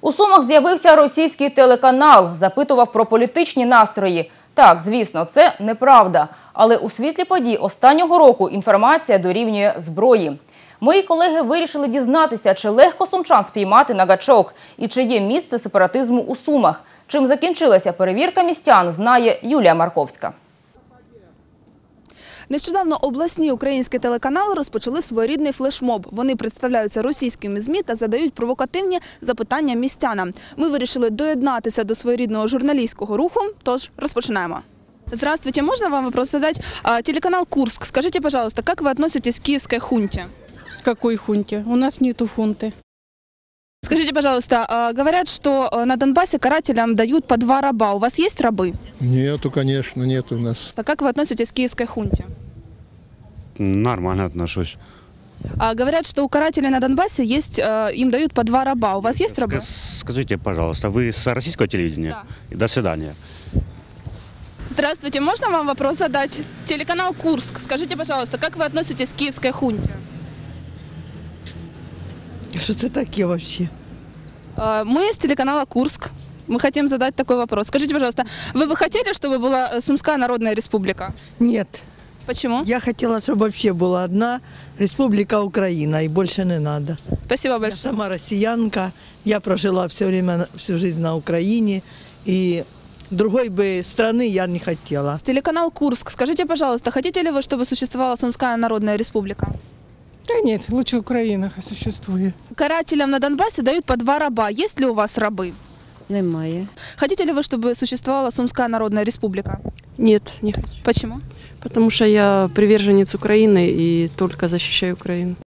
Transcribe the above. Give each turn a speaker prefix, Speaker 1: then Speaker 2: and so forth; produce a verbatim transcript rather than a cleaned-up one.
Speaker 1: У Сумах з'явився російський телеканал, запитував про політичні настрої. Так, звісно, це неправда. Але у світлі подій останнього року інформація дорівнює зброї. Мої колеги вирішили дізнатися, чи легко сумчан спіймати на гачок і чи є місце сепаратизму у Сумах. Чим закінчилася перевірка містян, знає Юлія Марковська.
Speaker 2: Нещодавно обласні українські телеканали розпочали своєрідний флешмоб. Вони представляються російськими ЗМІ та задають провокативні запитання містянам. Ми вирішили доєднатися до своєрідного журналістського руху, тож розпочинаємо. Здравствуйте, можно вам вопрос задать? Телеканал «Курск». Скажите, пожалуйста, как вы относитесь к киевской хунте?
Speaker 3: Какой хунте? У нас нету хунты.
Speaker 2: Скажите, пожалуйста, говорят, что на Донбассе карателям дают по два раба. У вас есть рабы?
Speaker 4: Нету, конечно, нету у нас.
Speaker 2: Как вы относитесь к киевской хунте?
Speaker 5: Нормально отношусь.
Speaker 2: А говорят, что у карателей на Донбассе есть, им дают по два раба. У вас есть рабы?
Speaker 5: Скажите, пожалуйста, вы с российского телевидения?
Speaker 2: Да.
Speaker 5: До свидания.
Speaker 2: Здравствуйте, можно вам вопрос задать? Телеканал «Курск». Скажите, пожалуйста, как вы относитесь к киевской хунте?
Speaker 6: Что это такие вообще?
Speaker 2: Мы из телеканала «Курск». Мы хотим задать такой вопрос. Скажите, пожалуйста, вы бы хотели, чтобы была Сумская Народная Республика?
Speaker 6: Нет.
Speaker 2: Почему?
Speaker 6: Я хотела, чтобы вообще была одна Республика Украина, и больше не надо.
Speaker 2: Спасибо
Speaker 6: Я
Speaker 2: большое.
Speaker 6: сама россиянка, я прожила все время, всю жизнь на Украине, и другой бы страны я не хотела.
Speaker 2: Телеканал «Курск». Скажите, пожалуйста, хотите ли вы, чтобы существовала Сумская Народная Республика?
Speaker 3: Да нет, лучше Украина существует.
Speaker 2: Карателям на Донбассе дают по два раба. Есть ли у вас рабы?
Speaker 7: Немає.
Speaker 2: Хотите ли вы, чтобы существовала Сумская Народная Республика?
Speaker 7: Нет, не хочу.
Speaker 2: Почему?
Speaker 7: Потому что я приверженец Украины и только защищаю Украину.